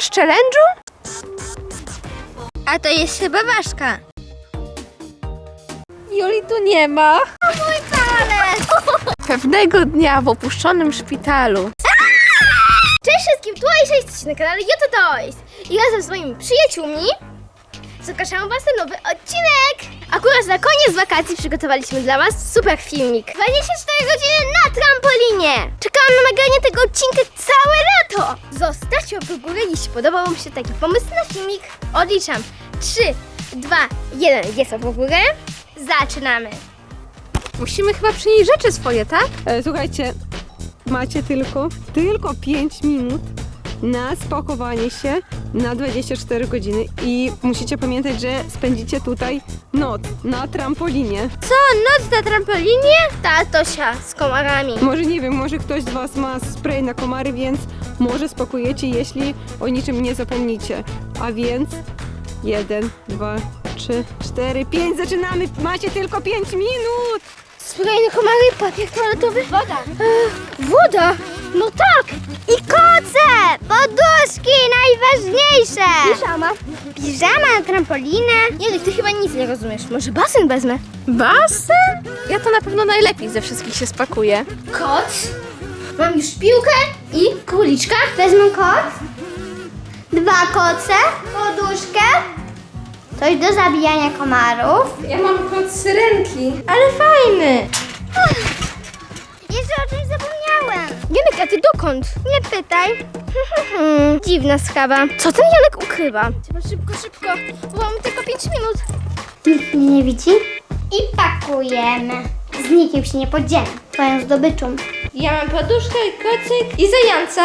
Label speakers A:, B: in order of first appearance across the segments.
A: Odpadasz challenge'u?
B: A to jest chyba ważka.
A: Joli tu nie ma.
B: O mój palec!
A: Pewnego dnia w opuszczonym szpitalu.
B: Cześć wszystkim, tu Aisha, jesteście na kanale Yoto Toys. I razem z moimi przyjaciółmi zapraszam was na nowy odcinek. Akurat na koniec wakacji przygotowaliśmy dla was super filmik. 24 godziny na trampolinie. Czekałam na nagranie tego odcinka całe lato. Zostawcie łapkę w górę, jeśli podobał wam się taki pomysł na filmik. Odliczam 3, 2, 1, jest łapka w górę. Zaczynamy.
A: Musimy chyba przynieść rzeczy swoje, tak?
C: Słuchajcie, macie tylko 5 minut na spakowanie się na 24 godziny i musicie pamiętać, że spędzicie tutaj noc na trampolinie.
B: Co, noc na trampolinie? Tatosia z komarami.
C: Może nie wiem, może ktoś z was ma spray na komary, więc może spakujecie, jeśli o niczym nie zapomnicie. A więc 1, 2, 3, 4, 5, zaczynamy! Macie tylko 5 minut!
B: Spokojnie, komary, papier toaletowy. Woda. Woda? No tak. I koce, poduszki, najważniejsze. Piżama na trampolinę. Nie, ty chyba nic nie rozumiesz. Może basen wezmę?
A: Basen? Ja to na pewno najlepiej ze wszystkich się spakuję.
B: Kot. Mam już piłkę i króliczka. Wezmę kot. 2 koce, poduszkę. Coś do zabijania komarów.
A: Ja mam kot syrenki.
B: Ale fajny! Jeszcze o czymś zapomniałem. Janek, a ty dokąd? Nie pytaj. Dziwna sprawa. Co ten Janek ukrywa? Trzeba szybko, bo mamy tylko 5 minut. Nikt mnie nie widzi? I pakujemy. Z nikim się nie podzielę. Twoją zdobyczą.
A: Ja mam poduszkę, kocyk i zająca.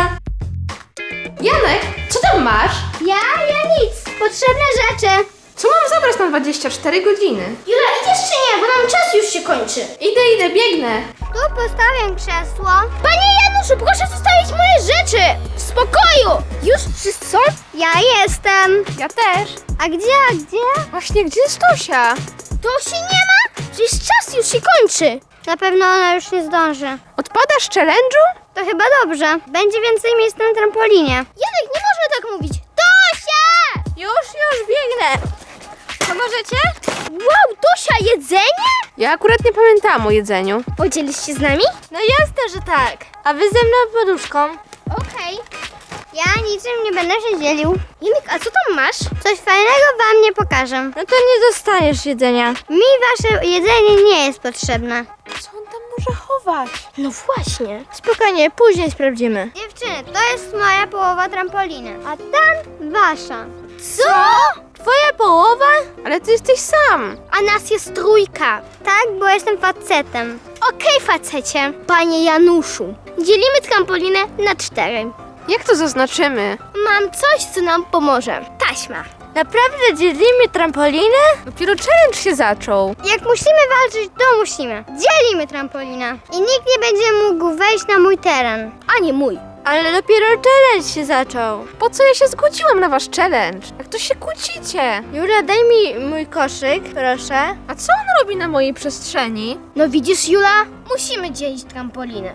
A: Janek, co tam masz?
B: Ja nic. Potrzebne rzeczy.
A: Co mam zabrać na 24 godziny?
B: Jula, idziesz czy nie? Bo nam czas już się kończy.
A: Idę, biegnę.
B: Tu postawię krzesło. Panie Januszu, proszę zostawić moje rzeczy! W spokoju! Już wszyscy są? Ja jestem.
A: Ja też.
B: A gdzie?
A: Właśnie, gdzie jest Tosia?
B: To się nie ma? Przecież czas już się kończy. Na pewno ona już nie zdąży.
A: Odpadasz challenge'u?
B: To chyba dobrze. Będzie więcej miejsc na trampolinie. Janek, nie można tak mówić. Tosia!
A: Już biegnę. Pomożecie?
B: Wow, Tosia, jedzenie?
A: Ja akurat nie pamiętałam o jedzeniu.
B: Podzielisz się z nami? No jasne, że tak. A wy ze mną poduszką. Okej. Ja niczym nie będę się dzielił. Janek, a co tam masz? Coś fajnego wam nie pokażę. No to nie dostaniesz jedzenia. Mi wasze jedzenie nie jest potrzebne.
A: Co on tam może chować?
B: No właśnie. Spokojnie, później sprawdzimy. Dziewczyny, to jest moja połowa trampoliny, a tam wasza. Co? Twoja połowa?
A: Ale ty jesteś sam.
B: A nas jest 3. Tak, bo jestem facetem. Okej, facecie. Panie Januszu, dzielimy trampolinę na 4.
A: Jak to zaznaczymy?
B: Mam coś, co nam pomoże. Taśma. Naprawdę dzielimy trampolinę?
A: Dopiero challenge się zaczął.
B: Jak musimy walczyć, to musimy. Dzielimy trampolinę. I nikt nie będzie mógł wejść na mój teren. A nie mój. Ale dopiero challenge się zaczął.
A: Po co ja się zgodziłam na wasz challenge? Jak to się kłócicie?
B: Jula, daj mi mój koszyk, proszę.
A: A co on robi na mojej przestrzeni?
B: No widzisz, Jula? Musimy dzielić trampolinę.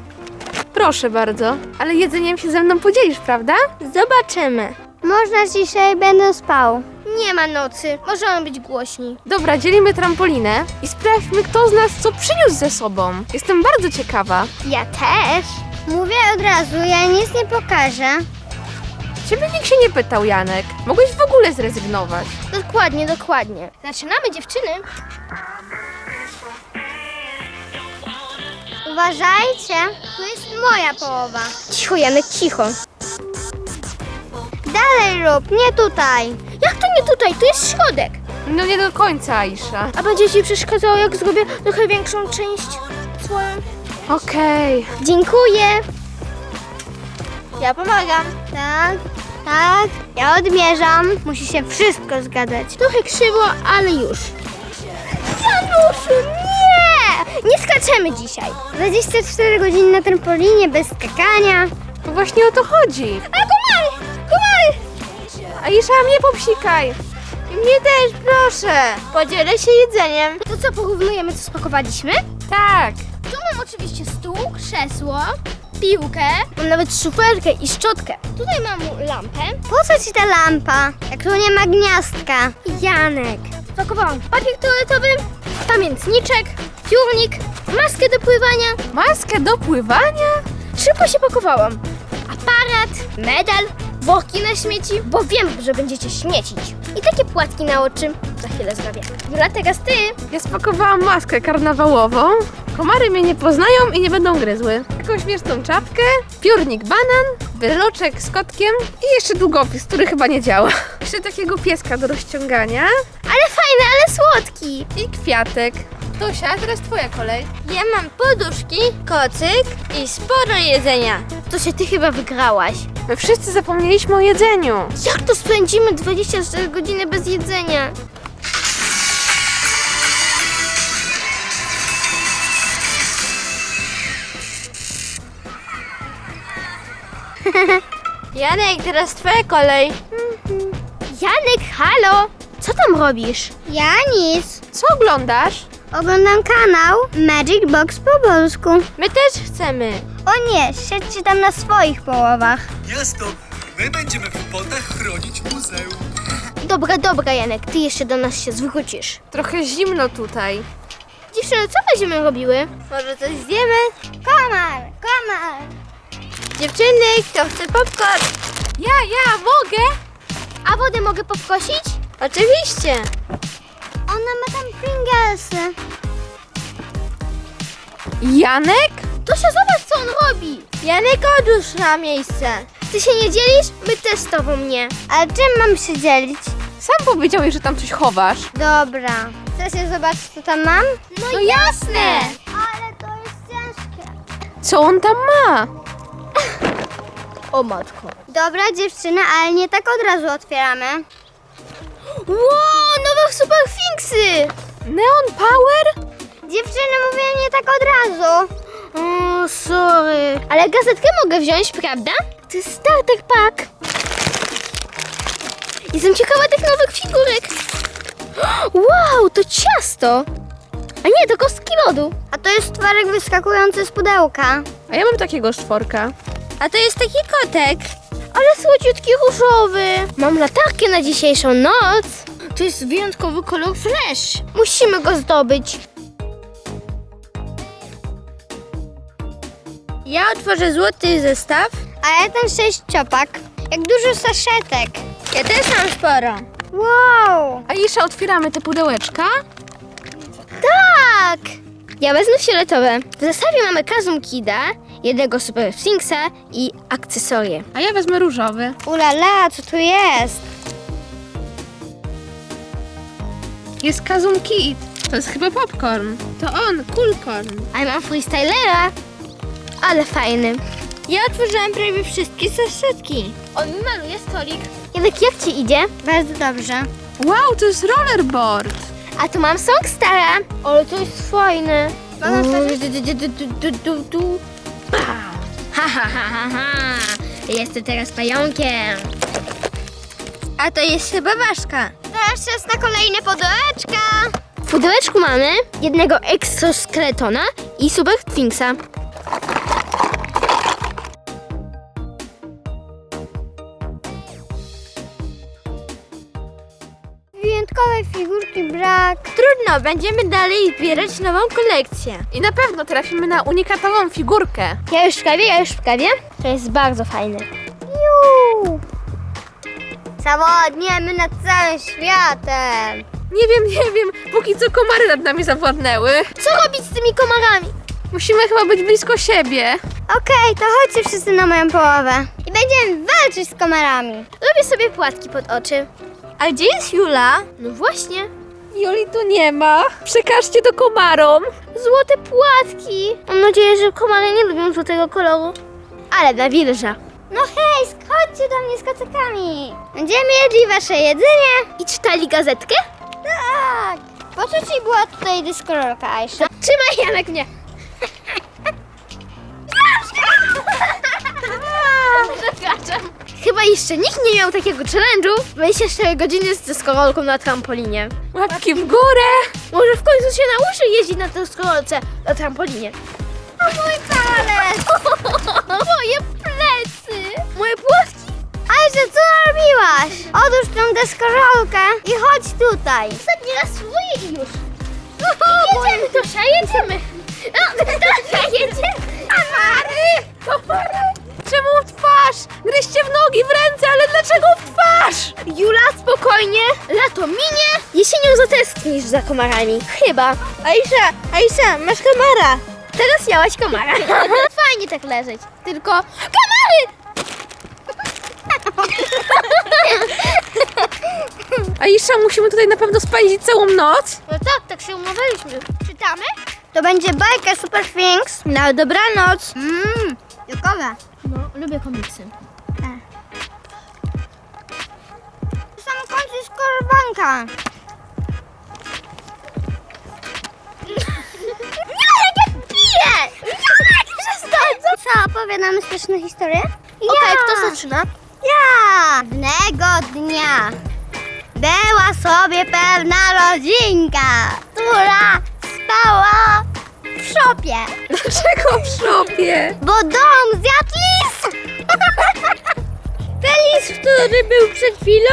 A: Proszę bardzo. Ale jedzeniem się ze mną podzielisz, prawda?
B: Zobaczymy. Można dzisiaj będę spał. Nie ma nocy. Możemy być głośni.
A: Dobra, dzielimy trampolinę i sprawdźmy, kto z nas co przyniósł ze sobą. Jestem bardzo ciekawa.
B: Ja też. Mówię od razu, ja nic nie pokażę.
A: Ciebie nikt się nie pytał, Janek. Mogłeś w ogóle zrezygnować.
B: Dokładnie. Zaczynamy, dziewczyny. Uważajcie, tu jest moja połowa. Cicho, Janek, cicho. Dalej rób, nie tutaj. Jak to nie tutaj? Tu jest środek.
A: No nie do końca, Aisha.
B: A będzie ci przeszkadzało, jak zrobię trochę większą część swoją?
A: Okej.
B: Dziękuję. Ja pomagam. Tak. Ja odmierzam. Musi się wszystko zgadzać. Trochę krzywo, ale już. Januszu, nie! Nie skaczemy dzisiaj. 24 godziny na trampolinie, bez skakania.
A: To właśnie o to chodzi.
B: A komary!
A: Aisha, mnie popsikaj.
B: I mnie też, proszę. Podzielę się jedzeniem. To co, porównujemy, co spakowaliśmy?
A: Tak.
B: Tu mam oczywiście stół, krzesło, piłkę, mam nawet szufelkę i szczotkę. Tutaj mam lampę.
D: Po co ci ta lampa, jak tu nie ma gniazdka?
B: Janek. Pakowałam papier toaletowy, pamiętniczek, piórnik, maskę do pływania.
A: Maskę do pływania?
B: Szybko się pakowałam. Aparat, medal, worki na śmieci, bo wiem, że będziecie śmiecić. I takie płatki na oczy. Za chwilę zrobię. Jula, teraz ty.
A: Ja spakowałam maskę karnawałową. Komary mnie nie poznają i nie będą gryzły. Taką śmieszną czapkę, piórnik banan, wyroczek z kotkiem i jeszcze długopis, który chyba nie działa. Jeszcze takiego pieska do rozciągania
B: Ale fajny, ale słodki.
A: i kwiatek. Tosia, teraz twoja kolej.
D: Ja mam poduszki, kocyk i sporo jedzenia.
B: To się ty chyba wygrałaś.
A: My wszyscy zapomnieliśmy o jedzeniu.
B: Jak to spędzimy 24 godziny bez jedzenia?
D: Janek, teraz twoja kolej.
B: Janek, halo! Co tam robisz?
D: Ja nic.
A: Co oglądasz?
D: Oglądam kanał Magic Box po polsku.
A: My też chcemy.
D: O nie, siedźcie tam na swoich połowach.
E: Jasno, my będziemy w potach chronić muzeum.
B: Dobra, Janek, ty jeszcze do nas się zwrócisz.
A: Trochę zimno tutaj.
B: Dziewczyny, co będziemy robiły?
D: Może coś zjemy? Komar, komar. Dziewczyny, kto chce popcorn?
A: Ja mogę?
B: A wodę mogę podkosić?
D: Oczywiście. Ona ma tam Pringlesy.
A: Janek?
B: Tosia, zobacz, co on robi!
D: Janek, odłóż na miejsce.
B: Ty się nie dzielisz? My też z tobą nie.
D: Ale czym mam się dzielić?
A: Sam powiedziałeś, że tam coś chowasz.
D: Dobra. Chcecie zobaczyć, co tam mam?
B: No jasne!
D: Ale to jest ciężkie.
A: Co on tam ma?
B: O matko.
D: Dobra, dziewczyny, ale nie tak od razu otwieramy.
B: Wow, nowe superfinksy!
A: Neon Power?
D: Dziewczyny, mówię nie tak od razu.
B: O, sorry. Ale gazetkę mogę wziąć, prawda? To jest starter pack. Jestem ciekawa tych nowych figurek. Wow, to ciasto. A nie, to kostki lodu.
D: A to jest tworek wyskakujący z pudełka.
A: A ja mam takiego czworka.
D: A to jest taki kotek.
B: Ale słodziutki różowy. Mam latarkę na dzisiejszą noc. To jest wyjątkowy kolor flash. Musimy go zdobyć.
D: Ja otworzę złoty zestaw. A ja ten 6 ciopak. Jak dużo saszetek. Ja też mam sporo. Wow.
A: Aisza, otwieramy te pudełeczka?
B: Tak! Ja wezmę fioletowe. W zestawie mamy Kazum Kida, jednego Super Sphinxa i akcesorie.
A: A ja wezmę różowy.
D: Ulala, co tu jest?
A: Jest Kazum Kid. To jest chyba popcorn. To on, Coolcorn.
B: A ja mam Freestylera. Ale fajny.
D: Ja otworzyłam prawie wszystkie saszetki.
B: On mi maluje stolik. Janek, jak ci idzie?
D: Bardzo dobrze.
A: Wow, to jest rollerboard.
B: A tu mam Songstara. Ale to jest fajne.
D: Mogę otworzyć?
B: Ha, ha, ha, ha, ha. Jestem teraz pająkiem.
D: A to jest chyba ważka. Teraz czas na kolejne pudełeczka.
B: W pudełeczku mamy jednego exoskeletona i Super Sphinxa.
D: Wyjątkowej figurki brak. Trudno, będziemy dalej zbierać nową kolekcję.
A: I na pewno trafimy na unikatową figurkę.
B: Ja już w kawie. To jest bardzo fajne.
D: Juuu. Zawodniemy nad całym światem.
A: Nie wiem. Póki co komary nad nami zawładnęły.
B: Co robić z tymi komarami?
A: Musimy chyba być blisko siebie.
D: Okej, to chodźcie wszyscy na moją połowę. I będziemy walczyć z komarami.
B: Robię sobie płatki pod oczy.
D: A gdzie jest Jula?
B: No właśnie.
A: Joli tu nie ma. Przekażcie to komarom.
B: Złote płatki. Mam nadzieję, że komary nie lubią złotego koloru. Ale nawilża.
D: No hej, chodźcie do mnie z kocekami. Będziemy jedli wasze jedzenie.
B: I czytali gazetkę?
D: Tak. Po co ci była tutaj dyskorolka, Aisza?
B: Trzymaj, Janek, mnie. Przepraszam. Chyba jeszcze nikt nie miał takiego challenge'u. 24 godziny z deskorolką na trampolinie.
A: Łapki w górę.
B: Może w końcu się nauczy jeździć na deskorolce na trampolinie.
D: O mój palec!
B: Moje plecy! Moje płotki!
D: Ajże, co robiłaś? Odłóż tę deskorolkę i chodź tutaj.
B: Ostatni raz spróbuję i już. Jedziemy, Tosia, jedziemy. No, Tosia, jedziemy.
A: Komary! Czemu w twarz? Gryźcie w nogi, w ręce, ale dlaczego w twarz?
B: Jula, spokojnie. Lato minie. Jesienią zatęsknisz za komarami. Chyba.
D: Aisza, masz komara.
B: Teraz miałaś komara. Fajnie tak leżeć. Tylko komary!
A: Aisza, musimy tutaj na pewno spędzić całą noc.
B: No tak się umawialiśmy. Czytamy?
D: To będzie bajka Super Things. Na dobranoc. Jokowa.
B: No, lubię komiksy.
D: W samym końcu jest korbanka.
B: Jak piję! Jak przestań!
D: Co, opowiadamy śmieszne historie?
B: Okej, kto zaczyna?
D: Ja! Pewnego dnia była sobie pewna rodzinka, która spała w szopie,
A: Dlaczego w szopie?
D: bo dom zjadł lis! Ten lis, który był przed chwilą?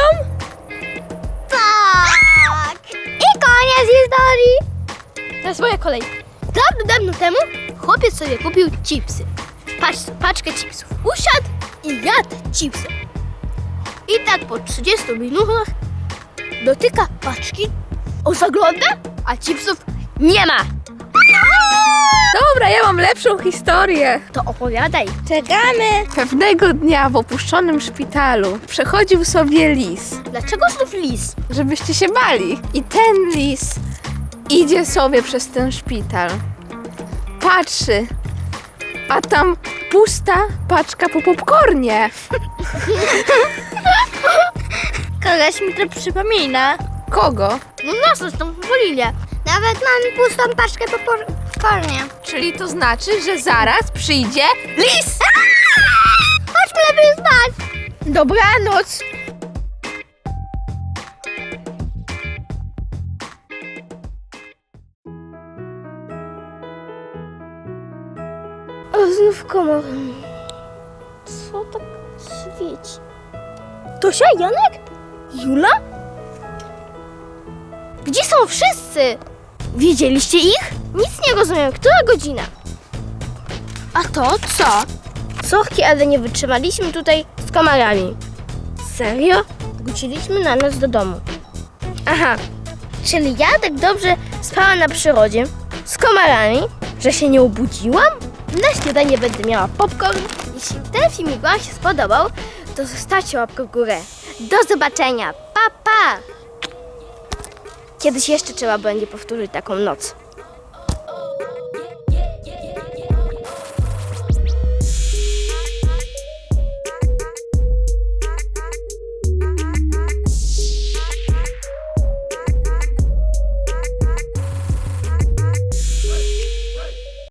D: Tak! I koniec historii!
B: Teraz moja kolej. Dawno temu chłopiec sobie kupił chipsy. Paczkę chipsów. Usiadł i jadł chipsy. I tak po 30 minutach dotyka paczki, zagląda, a chipsów nie ma.
A: Dobra, ja mam lepszą historię.
B: To opowiadaj.
D: Czekamy!
A: Pewnego dnia w opuszczonym szpitalu przechodził sobie lis,
B: Dlaczego znów lis?
A: żebyście się bali. I ten lis idzie sobie przez ten szpital. Patrzy, a tam pusta paczka po popcornie.
D: Kogoś mi to przypomina.
A: Kogo?
B: No nas zresztą w Polinie.
D: Nawet mam pustą paczkę po popcornie.
A: Czyli to znaczy, że zaraz przyjdzie lis.
D: Chodźmy lepiej spać!
B: Dobranoc. O, znów komar. Co tak świeci? Tosia, Janek? Jula? Gdzie są wszyscy? Widzieliście ich? Nic nie rozumiem. Która godzina? A to co? Sorki, ale nie wytrzymaliśmy tutaj z komarami. Serio? Wróciliśmy na noc do domu. Aha, czyli ja tak dobrze spałam na przyrodzie z komarami, że się nie obudziłam? Na śniadanie będę miała popcorn. Jeśli ten filmik Wam się spodobał, to zostawcie łapkę w górę. Do zobaczenia. Pa, pa! Kiedyś jeszcze trzeba będzie powtórzyć taką noc.